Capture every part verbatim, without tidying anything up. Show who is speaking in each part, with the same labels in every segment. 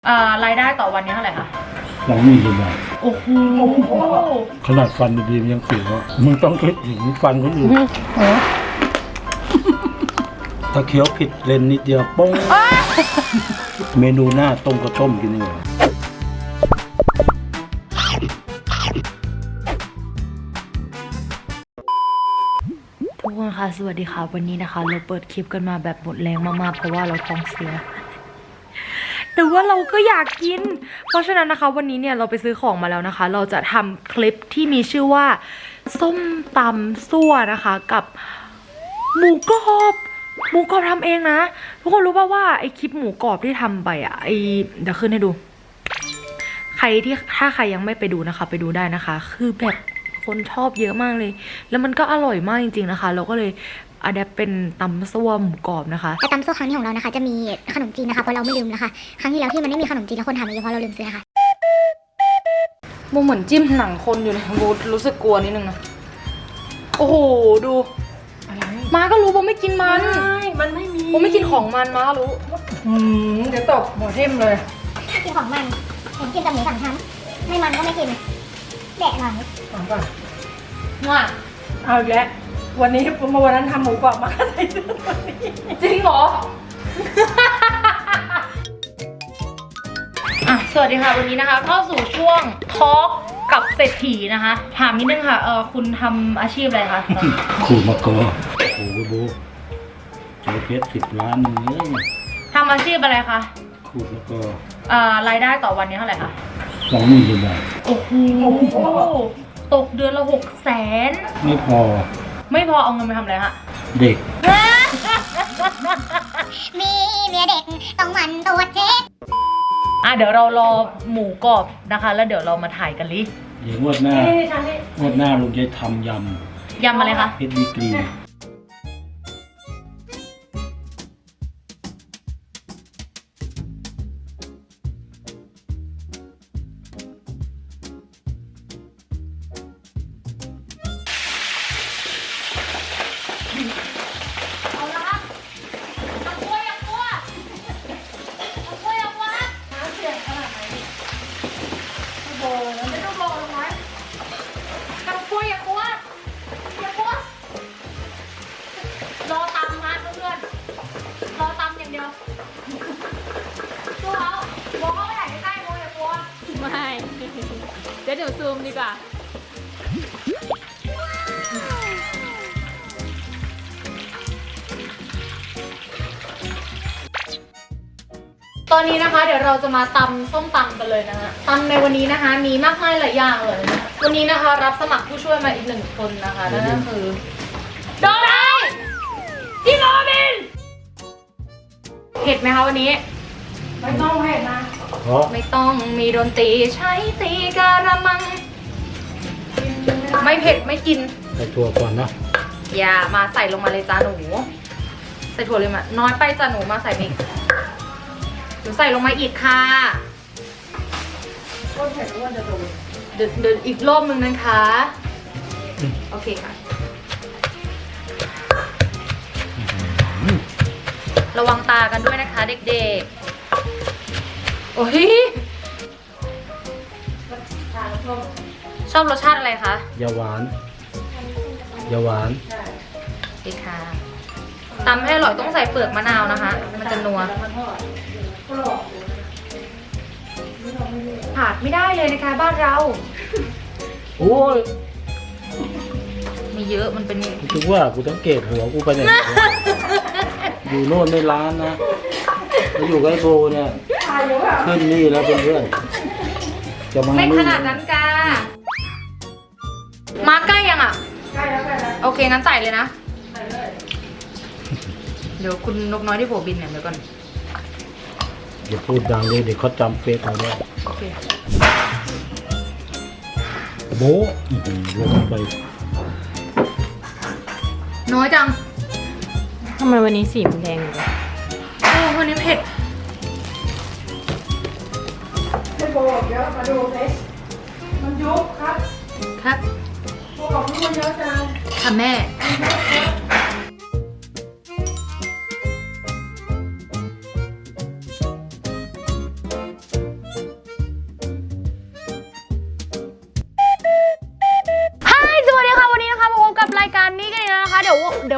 Speaker 1: อ่ารายได้ต่อวันนี้เท่าไหร่คะ
Speaker 2: สองหมื่นกว่าบาท
Speaker 1: โอ้โห
Speaker 2: ขนาดฟันดีๆมันยังเสียวมึงต้องคิดถึงฟันคนอื่นถ้าเคี้ยวผิดเลนนิดเดียวป้งเมนูหน้าต้มก็ต้มกินนี่
Speaker 1: ทุกคนค่ะสวัสดีค่ะวันนี้นะคะเราเปิดคลิปกันมาแบบหมดแรงมากๆเพราะว่าเราท้องเสียแต่ว่าเราก็อยากกินเพราะฉะนั้นนะคะวันนี้เนี่ยเราไปซื้อของมาแล้วนะคะเราจะทำคลิปที่มีชื่อว่าส้มตำซั่วนะคะกับหมูกรอบหมูกรอบทำเองนะทุกคนรู้ป่าวว่าไอคลิปหมูกรอบที่ทำไปอ่ะไอเดี๋ยวขึ้นให้ดูใครที่ถ้าใครยังไม่ไปดูนะคะไปดูได้นะคะคือแบบคนชอบเยอะมากเลยแล้วมันก็อร่อยมากจริงๆนะคะเราก็เลยอะแดปเป็นตำซั่วหมูกรอบนะคะ
Speaker 3: แต่ตำซั่วครั้งนี้ของเรานะคะจะมีขนมจีนนะคะเพราะเราไม่ลืมนะคะครั้งที่แล้วที่มันไม่มีขนมจีนแล้วคนทำเยอะเพราะเราลืมซื้อนะคะ
Speaker 1: โมเหมือนจิ้มหนังคนอยู่นะโมรู้สึกกลัวนิดนึงนะโอ้โหดูมาก็รู้โมไม่กินมัน
Speaker 4: มันไม่มี
Speaker 1: โมไม่กินของมันมารู้
Speaker 4: อืมเดี๋ยวตบหัวทิ่มเลย
Speaker 3: กินของมันเห็นกินกับหมูสามชั้นไม่มันก็ไม่กินแดะหน่อย
Speaker 4: ถามก่อน
Speaker 1: ว่า
Speaker 4: เอาอีกแล้ววันนี้เมื่อวันนั้นทำหมูกรอบมาใส่ตัวนี้
Speaker 1: จริงเหรอ อ่ะสวัสดีค่ะวันนี้นะคะเข้าสู่ช่วงทอล์กกับเศรษฐีนะคะถามนิดนึงค่ะเออคุณทำอาชีพอะไรคะ
Speaker 2: ขูดมะกอโอ้โหโบเจอเพชรสิบล้านหนึ่งเลย
Speaker 1: ทำอาชีพอะไรคะ
Speaker 2: ขูดมะกอ
Speaker 1: อ่ารายได้ต่อวันนี้เท่าไหร่คะ
Speaker 2: สองหมื่นกว่าบาท
Speaker 1: โอ้โหตกเดือนละหกแสน
Speaker 2: ไม่พอ
Speaker 1: ไม่พอเอาเงินไปทำอะไรฮะ
Speaker 2: เด็ก
Speaker 3: มีเมียเด็กต้องมันตัวเช็ค
Speaker 1: อ่ะเดี๋ยวเรารอหมูกรอบนะคะแล้วเดี๋ยวเรามาถ่ายกันลิ
Speaker 2: เดี๋ยวงวดหน้างวดหน้าลุงจะทำย
Speaker 1: ำยำอะไรคะ
Speaker 2: เพชรดีกรี
Speaker 1: รอตำมาเพื่อนรอตำอย่างเดียวตัวเขาโมเข้าไปไหนใกล้ๆโมอย่ากลัว
Speaker 5: ไม่เดี๋ยวเดี๋ยวซูมดีกว่า
Speaker 1: ตอนนี้นะคะเดี๋ยวเราจะมาตำส้มตำกันเลยนะคะตำในวันนี้นะคะมีมากมายหลายอย่างเลยวันนี้นะคะรับสมัครผู้ช่วยมาอีกหนึ่งคนนะคะนั่นก็คือโดนัยจิโรบินเผ็ดไหมคะวันนี้
Speaker 4: ไม่ต้องเผ็ดนะ
Speaker 1: ไม่ต้องมีดนตรีใช้ตีการะมังไม่เผ็ดไม่กิน
Speaker 2: ใส่ถั่วก่อนนะ
Speaker 1: อย่ามาใส่ลงมาเลยจ้าหนูใส่ถั่วเลยมาน้อยไปจ้าหนูมาใส่อีกหนูใส่ลงมาอีกค่ะ
Speaker 4: ก็เผ็ดว่าจะโดน
Speaker 1: เดี๋ยวเดี๋ยวอีกรอบนึงนะคะโอเคค่ะระวังตากันด้วยนะคะเด็กๆโอ้ยชอบรสชาติอะไรคะ
Speaker 2: ยาหวานยาหวาน
Speaker 1: ดีค่ะตำให้อร่อยต้องใส่เปลือกมะนาวนะคะมันจะนัวขาดไม่ได้เลยนะคะบ้านเรา
Speaker 2: โอ้ย
Speaker 1: มีเยอะมันเป็น
Speaker 2: คิดว่ากูต้องเกตหัวกูไปเนี่ยอยู่โน่นในร้านนะมาอยู่กับไอ้โบเนี่ยขึ้นนี่แล้วเพื่อนๆจะมา
Speaker 1: ไม่ขนาดนั้นกามาใกล้ยังอ่ะ
Speaker 4: ใกล้แล้วใกล้แล้ว
Speaker 1: โอเคงั้นใส่เลยนะ
Speaker 4: ใส่เลย
Speaker 1: เดี๋ยวคุณนกน้อยที่โผบินเนี่ยเดี๋ยวก่อน
Speaker 2: อย่าพูดดังเลยเดี๋ยวเขาจำเฟซเอาด้วย
Speaker 1: โอเค
Speaker 2: โบลงไป
Speaker 1: น้อยจัง
Speaker 5: ทำไมวันนี้สีมันแดงอยู่
Speaker 1: โอ้วันนี้เผ็ด
Speaker 4: ให้โบเดี๋ยวมาดูสิมันยุบครับ
Speaker 1: ครับ
Speaker 4: โบบอกว่ามันเยอะจัง
Speaker 1: ค่ะแม่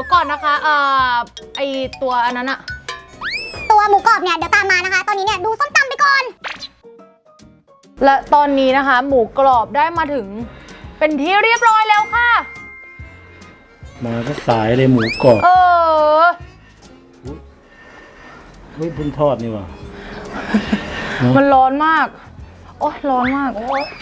Speaker 1: ยวก่อนนะคะเอ่อไอตัวอันนั้นอะ
Speaker 3: ตัวหมูกรอบเนี่ยเดี๋ยวตามมานะคะ ตอนนี้เนี่ยดูส้มตำไปก่อน
Speaker 1: และตอนนี้นะคะ หมูกรอบได้มาถึง เป็นที่เรียบร้อยแล้วค่ะ
Speaker 2: มาก็สายเลยหมูกรอบ
Speaker 1: เออ
Speaker 2: เฮ้ยเพิ่งทอดนี่หว่า
Speaker 1: มันร้อนมาก โอ้ยร้อนมาก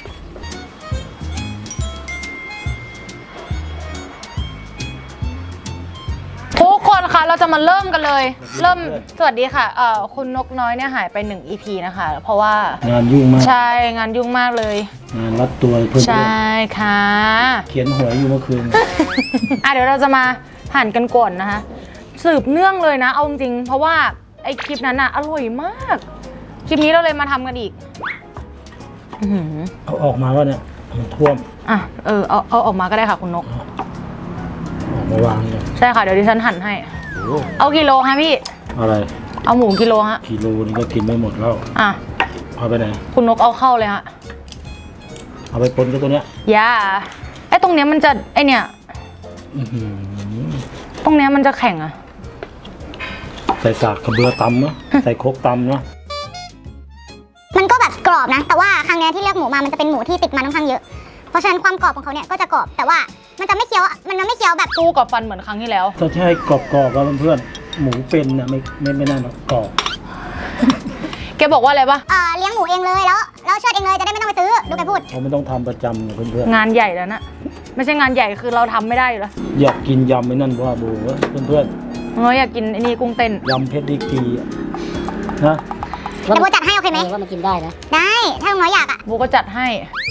Speaker 1: ทุกคนคะเราจะมาเริ่มกันเลย เริ่มสวัสดีค่ะเอ่อคุณนกน้อยเนี่ยหายไปหนึ่ง อี พี นะคะ เพราะว่าง
Speaker 2: านยุ่งมาก
Speaker 1: ใช่งานยุ่งมากเลย
Speaker 2: งานรัดตัวเพื่อน
Speaker 1: ใช่ค่ะ
Speaker 2: ๆเขียนหวยอยู่เมื่อคืน
Speaker 1: อ่ะเดี๋ยวเราจะมาหั่นกันก่อนนะคะ สืบเนื่องเลยนะ เอาจริงๆเพราะว่าไอคลิปนั้นอะอร่อยมาก คลิปนี้เราเลยมาทำกันอีกอื้อหือ
Speaker 2: เอาออกมาว่าเนี่ยมันท่วม
Speaker 1: อ่ะเออเอาเอาออกมาก็ได้ค่ะคุณนก
Speaker 2: ออกมาวางเนี่ย
Speaker 1: ใช่ค่ะเดี๋ยวดิฉันหั่นให้
Speaker 2: โอ้
Speaker 1: เอากิโลฮะพี่
Speaker 2: อะไร
Speaker 1: เอาหมูกิโลฮะ
Speaker 2: กิโลนึงก็กินไม่หมดแล้ว
Speaker 1: อ่ะ
Speaker 2: เอาไปไหน
Speaker 1: คุณนกเอาเข้าเลยฮะ
Speaker 2: เอาไปปนกับตัวเนี้ย
Speaker 1: อย่าไอตรงเนี้ยมันจะไอเนี่ย
Speaker 2: อื้อหือ
Speaker 1: ตรงเนี้ยมันจะแข็งอะ
Speaker 2: ใส่สากกระเบือตำเนาะใส่โคกตำเนาะ
Speaker 3: มันก็แบบกรอบนะ แต่ว่าครั้งเนี้ยที่เลือกหมูมามันจะเป็นหมูที่ติดมันค่อนข้างเยอะ เพราะฉะนั้นความกรอบของเขาเนี่ยก็จะกรอบ แต่ว่ามันจะไม่เคี้ยว มันจะไม่เคี้ยวแบบ
Speaker 1: สู้กับฟันเหมือนครั้งที่แล้ว
Speaker 2: ถ้าใช่กรอบๆแล้วเพื่อนๆหมูเป็นเนี่ยไม่ไม่ไม่น่าหรอกกรอบ
Speaker 1: แกบอกว่าอะไรปะ
Speaker 3: เอ่อเลี้ยงหมูเองเลยแล้วแล้วเชือดเองเลยจะได้ไม่ต้องไปซื้อ ดูไปพูด
Speaker 2: เขาไม่ต้องทำประจำเนี่ยเพื่อน
Speaker 1: งานใหญ่แล้วนะไม่ใช่งานใหญ่คือเราทำไม่ได้อยู่แล้ว
Speaker 2: ๆอยากกินยำไม่นั่นว่าโบเว้ยเพื่อน
Speaker 1: เราอยากกินไอ้นี่กุ้งเต้น
Speaker 2: ๆยำเพชรดีกรีอะนะ
Speaker 3: เดี๋ยวโบจัดให้โอเคไหม
Speaker 6: ว่ามันกินได้นะ
Speaker 3: ได้ ถ้าลุงน้อยอยากอ่ะ
Speaker 1: โบก็จัดให้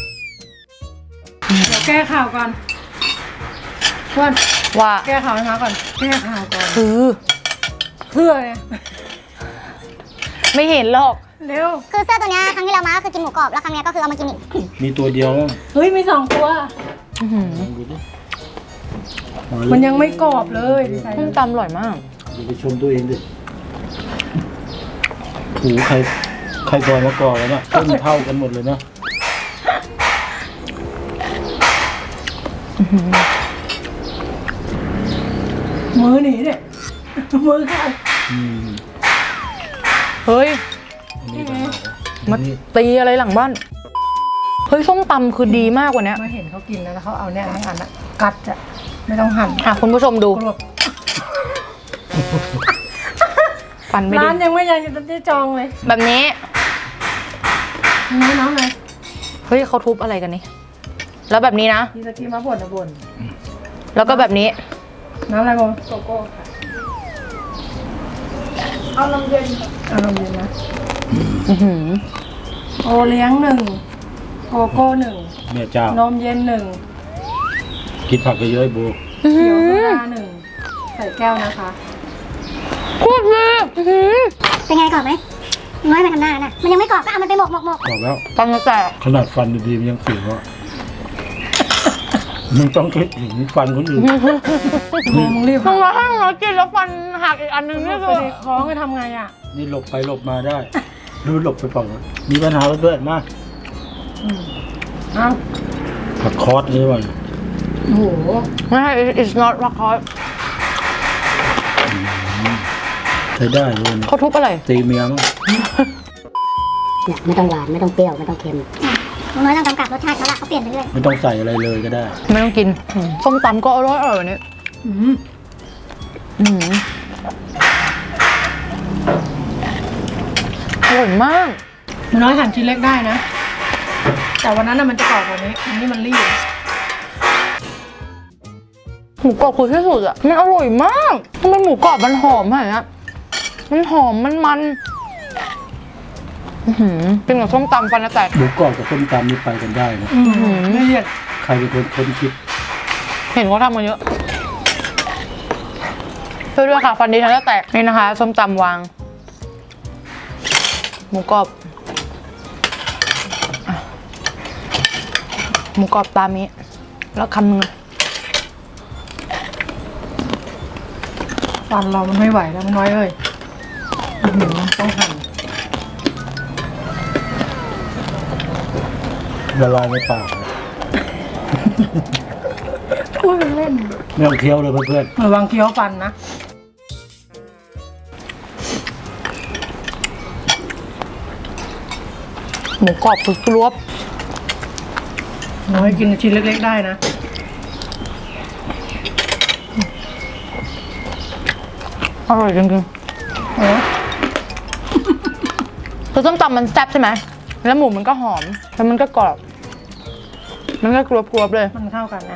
Speaker 4: เดี๋ยวแก้ข่าวก่อนเพื่อน
Speaker 1: ว่า
Speaker 4: แก้ข่าวให้มาก่อน แก้ข่าวก่อน
Speaker 1: คือ
Speaker 4: เพื่อเนี่ย
Speaker 1: ไม่เห็นหรอก
Speaker 4: เร็ว
Speaker 3: คือเสื้อตัวเนี้ยครั้งที่เรามาก็คือกินหมูกรอบ แล้วครั้งเนี้ยก็คือเอามากินอีก
Speaker 2: มีตัวเดียว
Speaker 4: เฮ้ยมีสองตัว
Speaker 1: อื้อหือ
Speaker 2: ลองดูดิ
Speaker 4: มันยังไม่กรอบเลยดิฉัน
Speaker 1: ส้มตำอร่อยมาก
Speaker 2: อย่าไปชมตัวเองดิหูใครใครซอยมะกอกแล้วเนี่ยต้นเท่ากันหมดเลยนะ
Speaker 4: มือหนีเนี่ยมือขาด
Speaker 2: อืม
Speaker 1: เฮ้ย
Speaker 2: อันนี้ต่างหาก
Speaker 1: มา
Speaker 2: อันนี้
Speaker 1: ตีอะไรหลังบ้าน เฮ้ยส้มตำคือดีมากกว่านี้
Speaker 4: มาเห็นเขากินแล้วแล้วเขาเอาเนี่ยทั้งอันอะกัดจะไม่ต้องหั่น
Speaker 1: อ่ะคุณผู้ชมดู
Speaker 4: กรอบ
Speaker 1: ฟันไม่ดี
Speaker 4: ร้านยังไม่ยังจะได้จองเลย
Speaker 1: แบบนี้
Speaker 4: น้องน้องเลย
Speaker 1: เฮ้ยเขาทุบอะไรกันนี่ แล้วแบบนี้นะ
Speaker 4: มีตะกี้มาบ่นนะบ่น
Speaker 1: แล้วก็แบบนี้
Speaker 4: น้ำอะไรบ้างโกโก้เอานมเย็นเอานมเย็นนะ
Speaker 1: อื้อหือ
Speaker 4: โอเลี้ยงหนึ่งโกโก้หนึ่ง
Speaker 2: แม่เจ้าน
Speaker 4: มเย็นหนึ่ง
Speaker 2: กินผักเยอะๆไอ้โบ
Speaker 1: อื้อ
Speaker 4: เขี
Speaker 1: หื
Speaker 4: ยวโซ
Speaker 1: อ
Speaker 4: ดาหนึ่งใส่แก้วนะคะ
Speaker 1: โคตรเลยอื้อหือ
Speaker 3: เป็นไงกรอบไหมลุงน้อยมาทำหน้าน่ะ มันยังไม่กรอบก็เอามันไปหมกหมกหมก
Speaker 2: กรอบแล้ว
Speaker 1: ฟันจะแตก
Speaker 2: ขนาดฟันดีๆมันยังเสียวอ่ะมึงต้องคิดถึงฟันคนอื่น
Speaker 4: โอ้มึงรีบ
Speaker 1: ต้องมาห้างเรากินแล้วฟันหักอีกอันนึง
Speaker 4: นี่
Speaker 1: นี่
Speaker 4: คื
Speaker 1: คือ อ
Speaker 4: คล้องจะทำไงอ่ะ
Speaker 2: นี่หลบไปหลบมาได้ ดูหลบไปฝั่งนั้นมีปัญหาเพื่อนๆมาก
Speaker 4: เอ้า
Speaker 2: ผักคอสนี่ว่ะ
Speaker 4: โอ้โห
Speaker 1: ไม่ใช่ it's not ราคา
Speaker 2: ใช้ได้เลยนะ
Speaker 1: เขาทุบอะไร
Speaker 2: ตีเมียมั้ง
Speaker 6: ไม่ต้องหวาน ไม่ต้องเปรี้ยว ไม่ต้องเค็ม
Speaker 3: ลุงน้อยต้องกำกับรสชาติเขาละเขาเปลี่ยนไปเรื่อย
Speaker 2: ไม่ต้องใส่อะไรเลยก็ได้
Speaker 1: ไม่ต้องกินอืมส้มตำก็อร่อยอร่อยวันนี้
Speaker 4: อืม
Speaker 1: อืมอร่อยมาก
Speaker 4: มันน้อยหั่นชิ้นเล็กได้นะ แต่วันนั้นน่ะมันจะกรอบกว่านี้อันนี้มันรีบ
Speaker 1: หมูกรอบคือที่สุดอ่ะ มันอร่อยมากทำไมหมูกรอบมันหอมขนาดนี้มันหอมมันมันอื้อหือกินกับส้มตำฟันจะแตก
Speaker 2: หมูกรอบกับส้มตำนี่ไปกันได้นะ
Speaker 4: อืมละเอียด
Speaker 2: ใครเป็นคนค้นคิด
Speaker 1: เห็นเขาทำมาเยอะช่วยด้วยค่ะฟันดิฉันจะแตกนี่นะคะ ส้มตำวาง หมูกรอบอ่ะหมูกรอบตามนี้ แล้วคำนึง
Speaker 4: ฟันเรามันไม่ไหวแล้วมันน้อยเอ้ยอื้อหือต้องหั่น
Speaker 2: ละลายในปากเลย
Speaker 4: กูพูดเป็นเล่น
Speaker 2: ไม่ต้องเคี้ยวเลยเพื่อน
Speaker 4: ระวังเคี้ยวฟันนะ
Speaker 1: หมูกรอบคือกรวบ
Speaker 4: น้อยกินชิ้นเล็กๆได้นะ
Speaker 1: อร่อยจริง
Speaker 4: เออ
Speaker 1: ๆคือส้มตำมันแซ่บใช่ไหมแล้วหมูมันก็หอมแล้วมันก็กรอบ มันก็กรวบๆเลย
Speaker 4: มันเข้ากันนะ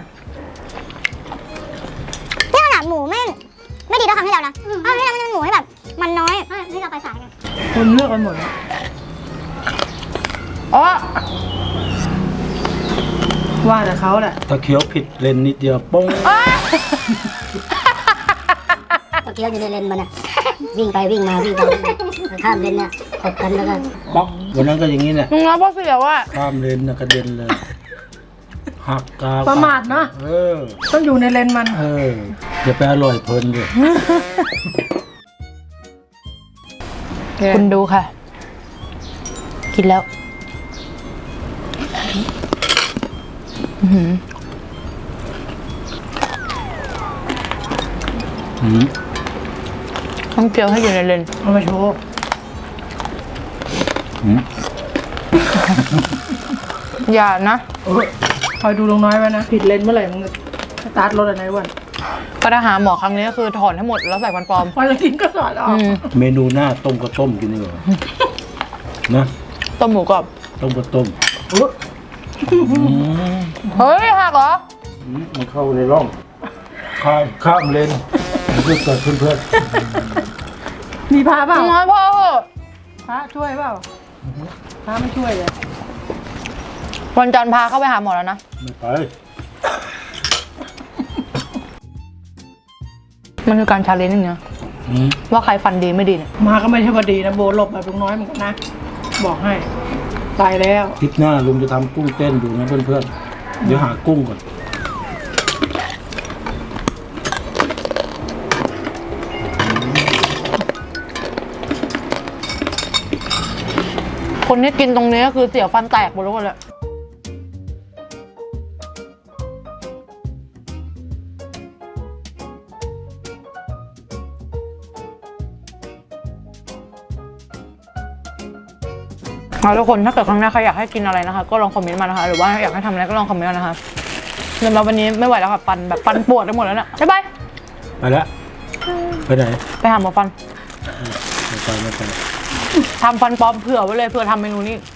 Speaker 3: นี่ขนาดหมูไม่ไม่ดีเท่าครั้งที่แล้วนะครั้งที่แล้วมันเป็นหมูที่แบบ มันน้อยที่เราไปสายกัน
Speaker 4: คนเลือกกันหมด
Speaker 1: อ๋อ
Speaker 4: ว่าแต่เขาแหละ
Speaker 2: ๆถ้าเคี้ยวผิดเลนนิดเดียวป้ง
Speaker 6: ก็เคี้ยวอยู่ในเลนมันอ่ะ วิ่งไปวิ่งมาวิ่งไปวิ่งมาข้ามเลนเนี่ยตบกันแล้วก็
Speaker 2: ป๊อกวันนั้นก็อย่างนี้แหละ
Speaker 1: มึงรับพ่อเสียว่ะ
Speaker 2: ข้ามเลนนะกระเด็นเลย หักกา
Speaker 4: ประมาทเนาะ
Speaker 2: เออ
Speaker 4: ต้องอยู่ในเลนมัน
Speaker 2: เอออย่าไปอร่อยเพลินเลย
Speaker 1: คุณดูค่ะ กินแล้วอื้อหือ
Speaker 2: อืม
Speaker 1: ต้องเจียวให้อยู่ในเลน
Speaker 4: เอามาโชว์
Speaker 2: อืม
Speaker 1: อย่านะ
Speaker 4: เออคอยดูลงน้อยไว้นะ ผิดเลนเมื่อไหร่มึงสตาร์ทรถอะไรวัน
Speaker 1: ก็ถ้าหาหมอครั้งนี้ก็คือถอนให้หมดแล้วใส่ฟันปลอม
Speaker 4: พอจะกินก็สอดออก
Speaker 1: อืม
Speaker 2: เมนูหน้าต้มก็ต้มกินดีกว่านะ
Speaker 1: ต้มหมูกรอบ
Speaker 2: ต้มก็ต้ม
Speaker 4: อุ๊ย
Speaker 2: อืม
Speaker 1: เฮ้ยหักเหรอ
Speaker 2: อืมมันเข้าในร่อง ข้ามข้ามเลนเพื่อนกับเพื่อน
Speaker 4: มีพระเปล่า
Speaker 1: น้อยพ่อเหอะ
Speaker 4: พระช่วยเปล่าพระไม่ช่วยเลย
Speaker 1: วันจันทร์พาเข้าไปหาหมอแล้วนะ
Speaker 2: ๆไม่ไป
Speaker 1: มันคือการชาเลนจ์อย่างเงี้ย
Speaker 2: อืม
Speaker 1: ว่าใครฟันดีไม่ดีเนี่ย
Speaker 4: มาก็ไม่ใช่ว่าดีนะโบหลบแบบลุงน้อยเหมือนกันนะ บอกให้ตายแล้ว
Speaker 2: ทริปหน้าลุงจะทำกุ้งเต้นดูนะเพื่อนๆเดี๋ยวหากุ้งก่อน
Speaker 1: คนที่กินตรงนี้ก็คือเสียวฟันแตกหมดแล้วเลย เอาทุกคนถ้าเกิดครั้งหน้าใครอยากให้กินอะไรนะคะ ก็ลองคอมเมนต์มานะคะ หรือว่าอยากให้ทำอะไรก็ลองคอมเมนต์มานะคะเดี๋ยวมาวันนี้ไม่ไหวแล้วค่ะฟันแบบฟันปวดไปหมดแล้วเนี่ยบ๊ายบาย
Speaker 2: ไปแล้วไปไหน
Speaker 1: ไปหาหมอฟัน
Speaker 2: ไม่ไปไม่ไป
Speaker 1: ทำฟันปลอมเผื่อไว้เลยเผื่อทำเมนูนี้